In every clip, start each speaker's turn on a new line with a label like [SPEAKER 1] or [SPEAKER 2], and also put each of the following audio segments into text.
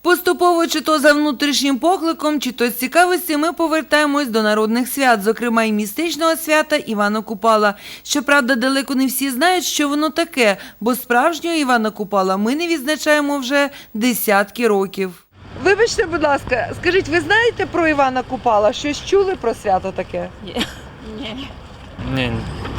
[SPEAKER 1] Поступово, чи то за внутрішнім покликом, чи то з цікавості, ми повертаємось до народних свят, зокрема і містичного свята Івана Купала. Щоправда, далеко не всі знають, що воно таке, бо справжнього Івана Купала ми не відзначаємо вже десятки років. Вибачте, будь ласка, скажіть, ви знаєте про Івана Купала? Щось чули про свято таке?
[SPEAKER 2] Ні.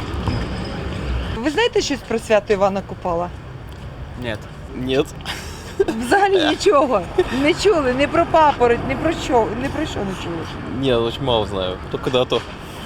[SPEAKER 1] Ви знаєте щось про свято Івана Купала?
[SPEAKER 2] Нет. Нет.
[SPEAKER 1] Взагалі нічого. Не чули, не про папороть, ні про що не чули.
[SPEAKER 2] Нет, очень мало знаю. Только дату.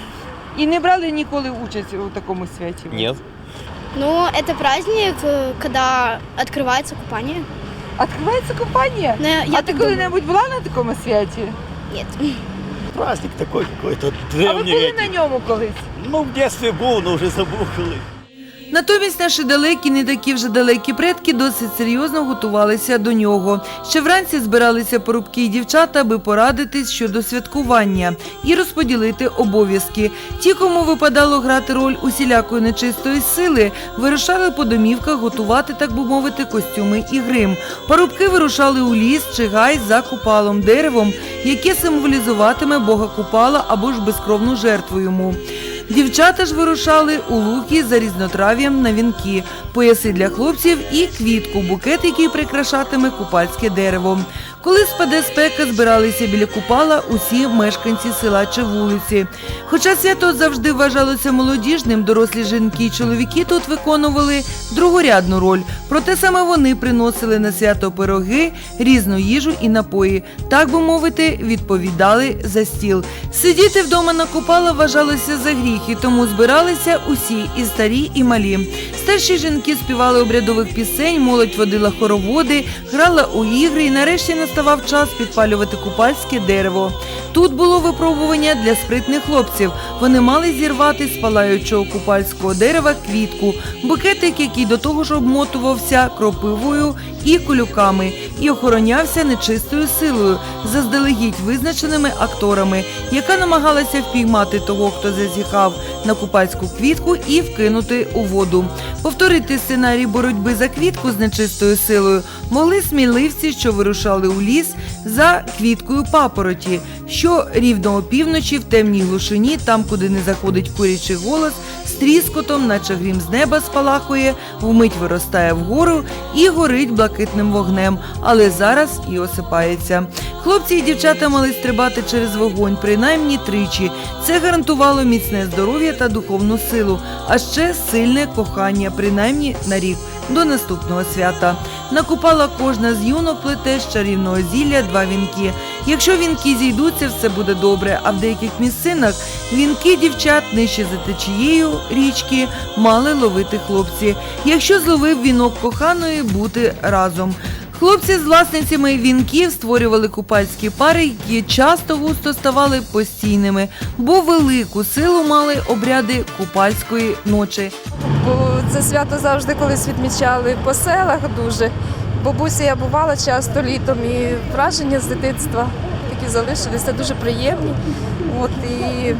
[SPEAKER 1] І не брали ніколи участь у такому святі?
[SPEAKER 2] Нет.
[SPEAKER 3] Ну, это праздник, когда открывается купание.
[SPEAKER 1] Відкривається купання?
[SPEAKER 3] Ну, я
[SPEAKER 1] А
[SPEAKER 3] так
[SPEAKER 1] ти
[SPEAKER 3] думаю.
[SPEAKER 1] коли-небудь була на такому святі?
[SPEAKER 3] Нет.
[SPEAKER 4] Праздник такой какой-то
[SPEAKER 1] А ви
[SPEAKER 4] древний.
[SPEAKER 1] були на ньому колись?
[SPEAKER 4] Ну, в детстве был, но уже забыл.
[SPEAKER 1] Натомість наші далекі, не такі вже далекі предки досить серйозно готувалися до нього. Ще вранці збиралися порубки і дівчата, аби порадитись щодо святкування і розподілити обов'язки. Ті, кому випадало грати роль усілякої нечистої сили, вирушали по домівках готувати, так би мовити, костюми і грим. Парубки вирушали у ліс чи гай за Купалом, деревом, яке символізуватиме Бога Купала або ж безкровну жертву йому. Дівчата ж вирушали у луки за різнотрав'ям на вінки, пояси для хлопців і квітку, букет, який прикрашатиме купальське дерево. Коли спаде спека, збиралися біля Купала усі мешканці села чи вулиці. Хоча свято завжди вважалося молодіжним, дорослі жінки і чоловіки тут виконували другорядну роль. Проте саме вони приносили на свято пироги, різну їжу і напої. Так би мовити, відповідали за стіл. Сидіти вдома на Купала вважалося за гріх, і тому збиралися усі, і старі, і малі. Старші жінки співали обрядових пісень, молодь водила хороводи, грала у ігри, і нарешті наставав час підпалювати купальське дерево. Тут було випробування для спритних хлопців. Вони мали зірвати з палаючого купальського дерева квітку, букетик, який до того ж обмотувався кропивою і колюками, і охоронявся нечистою силою, заздалегідь визначеними акторами, яка намагалася впіймати того, хто зазіхав на купальську квітку, і вкинути у воду. Повторити сценарій боротьби за квітку з нечистою силою могли сміливці, що вирушали у ліс за квіткою папороті, що рівно опівночі в темній глушині, там, куди не заходить курячий голос, з тріскотом, наче грім з неба спалахує, вмить виростає вгору і горить блакитним вогнем, але зараз і осипається. Хлопці і дівчата мали стрибати через вогонь принаймні тричі. Це гарантувало міцне здоров'я та духовну силу, а ще сильне кохання принаймні на рік до наступного свята. На Купала кожна з юнок плете з чарівного зілля 2 вінки. Якщо вінки зійдуться, все буде добре, а в деяких місцинах вінки дівчат нижче за течією річки мали ловити хлопці. Якщо зловив вінок коханої, бути разом. Хлопці з власницями вінків створювали купальські пари, які часто густо ставали постійними, бо велику силу мали обряди купальської ночі.
[SPEAKER 5] Бо це свято завжди колись відмічали по селах дуже. Бабуся я бувала часто літом, і враження з дитинства такі залишилися, дуже приємні. От, і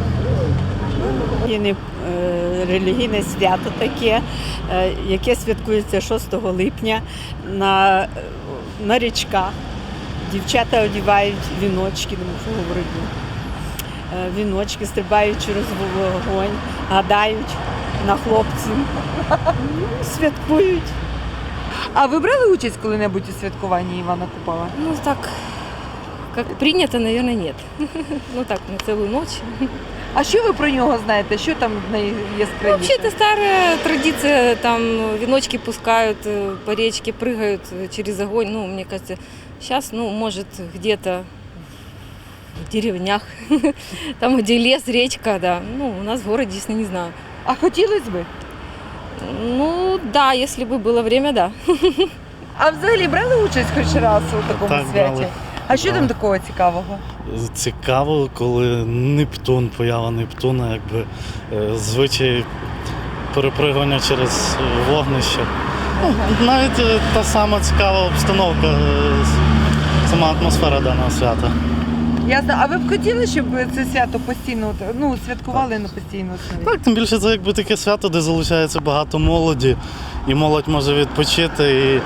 [SPEAKER 6] релігійне свято таке, яке святкується 6 липня на річках. Дівчата одягають віночки, не можу говорити, віночки, стрибають через вогонь, гадають на хлопців, святкують.
[SPEAKER 1] А ви брали участь коли-небудь у святкуванні Івана Купала?
[SPEAKER 7] Ну так, как принято, наверное, нет. Ну так, на целую ночь.
[SPEAKER 1] А що ви про нього знаєте? Що там найяскравіше?
[SPEAKER 7] Вообще это старая традиция, там веночки пускают по речке, прыгают через огонь. Ну, мне кажется, сейчас, ну, может, где-то в деревнях, там, где лес, речка, да. Ну, у нас в городе, если не знаю.
[SPEAKER 1] А хотілося б?
[SPEAKER 7] Ну, да, если бы было время, да.
[SPEAKER 1] А взагалі брали участь хоч раз у такому
[SPEAKER 8] Так,
[SPEAKER 1] святі?
[SPEAKER 8] брали.
[SPEAKER 1] А що там такого цікавого?
[SPEAKER 8] Цікаво, коли Нептун, поява Нептуна, якби звичай перепригування через вогнище. Ну, навіть та сама цікава обстановка, сама атмосфера даного свята.
[SPEAKER 1] Ясно. А ви б хотіли, щоб це свято постійно, ну, святкували на постійній основі?
[SPEAKER 8] Так, тим більше це якби таке свято, де залучається багато молоді, і молодь може відпочити, і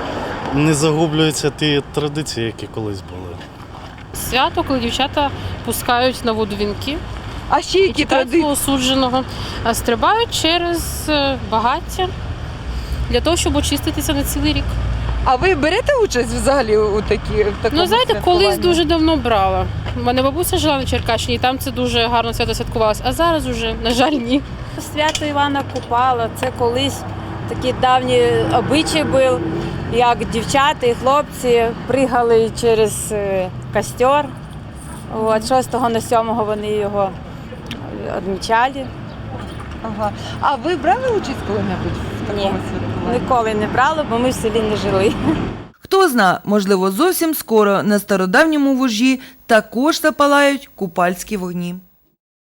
[SPEAKER 8] не загублюються ті традиції, які колись були.
[SPEAKER 9] Свято, коли дівчата пускають на воду вінки.
[SPEAKER 1] А ще які традиції?
[SPEAKER 9] Осудженого стрибають через багаття для того, щоб очиститися на цілий рік.
[SPEAKER 1] А ви берете участь взагалі у такому
[SPEAKER 9] Ну, знаєте, колись
[SPEAKER 1] святкуванні?
[SPEAKER 9] дуже давно брала. У мене бабуся жила на Черкащині, і там це дуже гарно свято святкувалося, а зараз уже, на жаль, ні.
[SPEAKER 10] Свято Івана Купала – це колись такий давній обичай був, як дівчата і хлопці пригали через костер. От, 6 на 7 вони його відмічали.
[SPEAKER 1] Ага. А ви брали участь коли-небудь в такому
[SPEAKER 10] Ні.
[SPEAKER 1] святкуванні?
[SPEAKER 10] Ніколи не брали, бо ми в селі не жили.
[SPEAKER 1] Хто зна, можливо, зовсім скоро на стародавньому вужі також запалають купальські вогні.